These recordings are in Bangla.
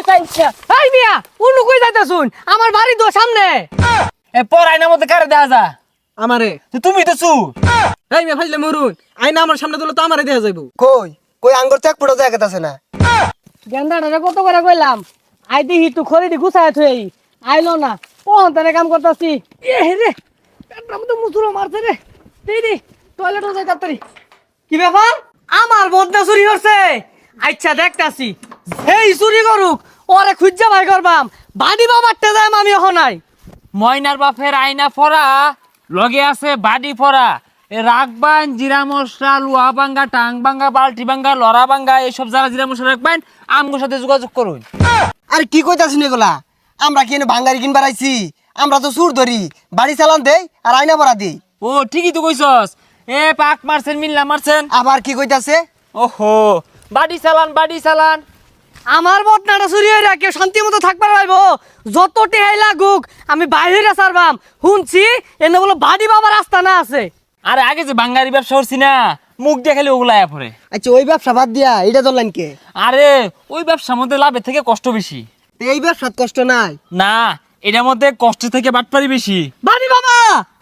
চাইছা এই মিয়া উনু কই যাইতাছুন আমার বাড়ি তো সামনে এ পর আয়নার মধ্যে কারে দেখা যা আমারে তুমি তো চু এই মিয়া ফাইলে মরুন আইনা আমার সামনে দিলে তো আমারে দেয়া যাইব কই কই আঙ্গুর চেক পড়ে যায় আছে না গেন্দাটা কত করে কইলাম আই দিহি তুই খড়িটি গুছায় থই আইলো না কোন তানে কাম করতাছি এ রে পেটটা মতো মুসুরো মারছে রে দিদি টয়লেটে যাই তাড়াতাড়ি কি ব্যাপার আমার বদনা চুরি হচ্ছে আচ্ছা দেখতাছি এই চুরি করুক ওরে খুঁজা ভাই করবাম বাড়ি বাবারটা যাই আমি এখন নাই ময়নার বাপের আয়না ফরা লগে আছে বাড়ি ফরা এ রাখবান জিরা মশলা লুয়া ভাঙ্গা টাং ভাঙ্গা বালতি ভাঙ্গা লড়া ভাঙ্গা এইসব যারা জিরা মশলা রাখবেন আমগোর সাথে যোগাযোগ করুন। আরে কি কইতাছিস এগুলা আমরা কি এনে ভাঙ্গারি কিনবার আইছি আমরা তো সুর ধরি বাড়ি চালান দেই আর আয়না ভরা দেই ও ঠিকই তো কইছস এ পাক মারছেন মিল্লা মারছেন আবার কি কইতাছে ওহো বাড়ি চালান আমার বদনাটা চুরি হয়ে রাখে শান্তি মতো থাকবার পারবো যত টেহাই লাগুক আমি বাইরে সারবাম শুনছি এনে বলো বাড়ি বাবার রাস্তা না আছে আরে আগে যে বাঙ্গারি ব্যবসা করছি না মুখ দিয়ে খালি ওগুলা আয়া পড়ে আচ্ছা ওই ব্যবসা বাদ দিয়া এটা ধরলেন কে আরে ওই ব্যবসার মধ্যে লাভের থেকে কষ্ট বেশি এই ব্যবসাত কষ্ট নাই না এটার মধ্যে কষ্ট থেকে বাটপারি বেশি বাড়ি বাবা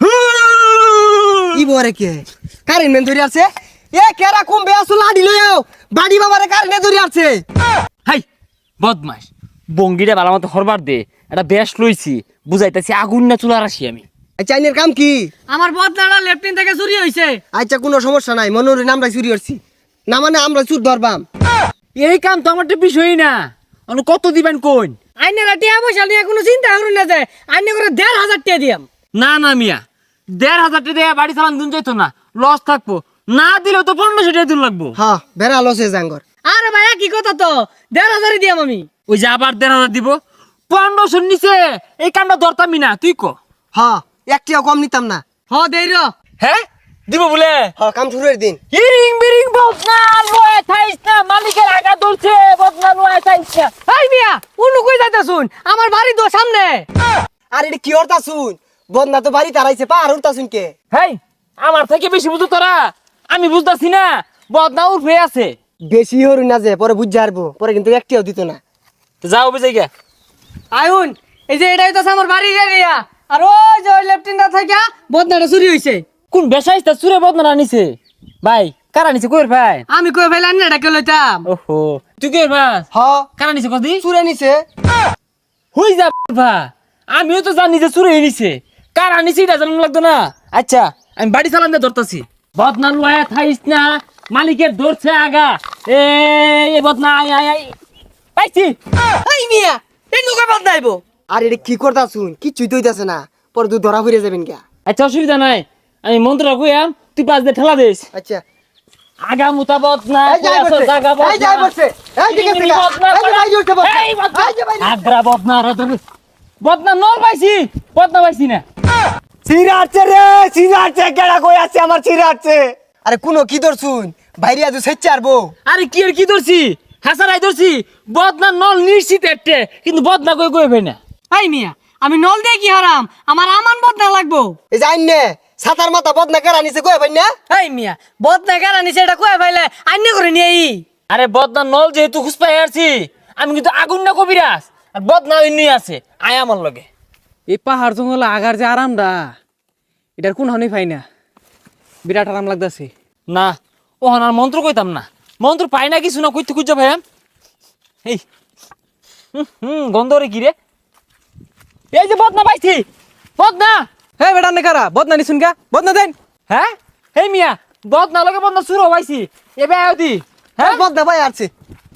ই বরে কে কারেন্ট মেন ধরে আছে এ কেরা কম বেয়াসু লাডি লইও বাড়ি বাবারে কারেন্ট ধরে আছে হাই বদমাস বঙ্গিটা ভালো মতো হরবার দে এটা বেশ লইছি বুঝাইতেছি আগুন না চুলার আসি আমি আচ্ছা আইনের কাম কি আমার বদনাটা লেফটিন থেকে চুরি হয়েছে আচ্ছা কোনো সমস্যা নাই মনোরে আমরা চুরি করছি না মানে আমরা চুর ধরবাম এই কাম তো আমার তো বিষয়ই না কত দিবেন কোন আইনেরা টিয়া পয়সা নিয়ে কোনো চিন্তা করুন না যায় আইনে করে ১,৫০০ টাকা দিয়াম না না মিয়া ১,৫০০ টাকা দিয়ে বাড়ি চালান দিন যাইতো না লস থাকবো না দিলেও তো ১৫০০ টাকা দিন লাগবো হ্যাঁ বেড়া লসে জাঙ্গর আরে ভাই কি কথা তো ১,৫০০ দিয়াম আমি ওই যে আবার ১,৫০০ দিব ১৫০০ নিচে এই কামটা ধরতামই না তুই ক হ্যাঁ একটিও কম নিতাম না হ দেই র হ্যাঁ দিব বলে হ্যাঁ কাম শুরুর দিন ইরিং বিরিং বদনা লয়ে থাইস না মালিকের আগা দলছে বদনা লয়ে থাইস না এই মিয়া উনু কই যাইতাছুন আমার বাড়ি তো সামনে আর এটা কি হরতা শুন বদনা তো বাড়ি তারাইছে পা আর উঠতা শুন কে হেই আমার থেকে বেশি বুঝো তোরা আমি বুঝতাছি না বদনা উঠে আছে বেশি হরু না যে পরে বুঝ হারবো পরে কিন্তু একটিও দিত না যাও বুঝে গিয়া আইউন এই যে এটাই তো আমার বাড়ির এরিয়া আর ওই যে ওই লেফটিনটা থেকে বদনাটা চুরি হইছে কোন বেসাইস্তা চুরে বদনা আনিছে ভাই কারা নিছে কইর ভাই আমি কই ফেলান না ডাকে লইতাম ওহো তুই কইর ভাই হ কারা নিছে কদি চুরে নিছে হই যা ভাই আমিও তো জানি যে চুরে নিছে কারা নিছে এটা জানানো লাগতো না আচ্ছা আমি বাড়ি চালান দিয়ে ধরতাছি বদনা লয়ে থাইস না মালিকের ধরছে আগা এ বদনা আই আই আই পাইছি এই মিয়া এই নুকা বদনাইবো আর এটা কি করতা শুন কিচ্ছুই তো হইতাছে না পরে তুই ধরা ফিরে যাবেন কে আচ্ছা অসুবিধা নাই আমি মন্ত্রটা কইয়াম তুই পাঁচ দিয়ে ঠেলা দিস আচ্ছা আগা মুতাবত না এই যাই বসে এই যাই বসে এই দিকে থেকে এই যে ভাই উঠতে বসে এই যে ভাই আগ্রা বদনা রে তুমি বদনা নল পাইছি বদনা পাইছি না চিরাচ্ছে রে চিরাচ্ছে কেডা কই আছে আমার চিরাচ্ছে আরে কোন কি ধর শুন বাইরে আজ সেচ্ছে আরবো আরে কি আর কি ধরছি হাসারাই ধরছি বদনা নল নিশ্চিত একটা কিন্তু বদনা কই কই ভাই না এই মিয়া আমি নল দিয়ে কি হারাম আমার আমান বদনা লাগবো এই যে আইন নে সাতার মাথা বদনা কেরা নিছে কই ভাই না এই মিয়া বদনা কেন নিছে এটা কই ফাইলে আইনে করে নিয়ে আই আরে বদনা নল যেহেতু খুঁজ পাই আসছি আমি কিন্তু আগুন না কবিরাস আর বদনা এমনি আছে আয় আমার লগে এই পাহাড় জঙ্গল আগার যে আরামটা এটার কোন হনি পাই না বিরাট আরাম লাগতাছে না ও আর মন্ত্র কইতাম না মন্ত্র পাই না কিছু না কইতে খুঁজা ভাই এই গন্ধ রে কি রে এই যে বদনা পাইছি বদনা হে বেটা নে কারা বদনা নিছুন কা বদনা দেন হ্যাঁ এই মিয়া বদনা লগে বদনা শুরু হইছি এবে আদি হ্যাঁ বদনা ভাই আছে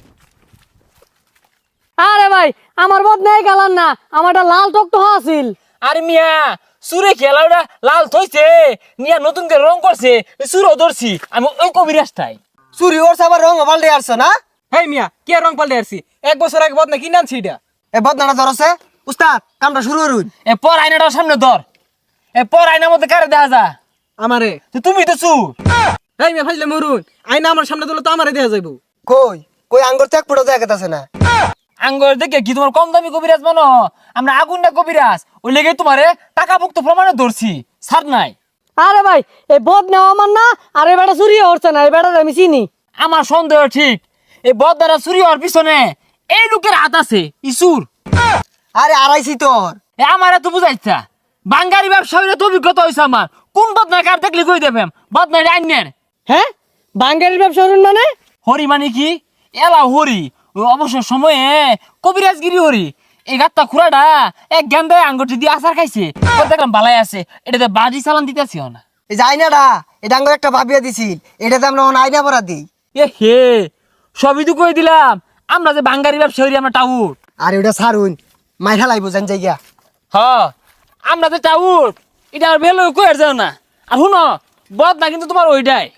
আরে ভাই আমার বদনাই গালান না আমারটা লাল টক তো আছিল আরে মিয়া সুরে খেলাটা লাল থইছে নিয়া নতুন করে রং করছে সুরও ধরছি আমি ওই কবিরাজটাই চুরি ওর সাবার রং পাল্টে আসছ না হেই মিয়া কে রং পাল্টে আসছি 1 বছর আগে বদনা কিনে আনছি এটা এ বদনাটা ধরছে উস্তাদ কামটা শুরু করুন এ পর আয়নাটার সামনে ধর এ পর আয়নার মধ্যে কারে দেখা যা আমারে তুমি তো চু হেই মিয়া ফাইলে মরুন আইনা আমার সামনে দিলে তো আমারে দেয়া যাইব কই কই আঙ্গুর চেক পড়ে যায় আছে না আঙ্গর দেখে কি তোমার কম দামি কবিরাজ মানো আমরা আগুন না কবিরাজ ওই লেগে তোমারে টাকা ভুক্ত প্রমাণে ধরছি ছাড় নাই আরে ভাই এই বদনা আমার না আর এই বেটা চুরি হচ্ছে না এই বেটা আমি চিনি আমার সন্দেহ ঠিক এই বদদারা চুরি হওয়ার পিছনে এই লোকের হাত আছে ইসুর। আরে আড়াইছি তোর। এ আমার এত বুঝাইছা বাঙ্গারি ব্যবসা হইলে তো অভিজ্ঞতা হয়েছে আমার। কোন বদনায় কার দেখলে কই দেবেন বদনাই আইনের। হ্যাঁ বাঙ্গারির ব্যবসা করুন মানে? হরি মানে কি? এলা হরি ওই অবসর সময়ে কবিরাজগিরি হরি। এই গাত্তা খুড়াটা এক গেন্দায় আঙ্গুটি দিয়ে আচার খাইছে। ওর দেখলাম বালাই আছে, এটাতে বাড়ি চালান দিতেছি না। এই যে আইনাটা এটা আঙ্গুর একটা ভাবিয়া দিছিল, এটাতে আমরা এখন আইনা পরা দিই। এ হে সবই তো কই দিলাম, আমরা যে বাঙ্গারি ব্যবসা হরি আমরা টাউট। আর ওটা সারুন মাইঠা লাইব জান জায়গা। হ আমরা যে টাউট এটা আর বেলো কই আর যাও না। আর শুনো বদ না কিন্তু তোমার ওইটাই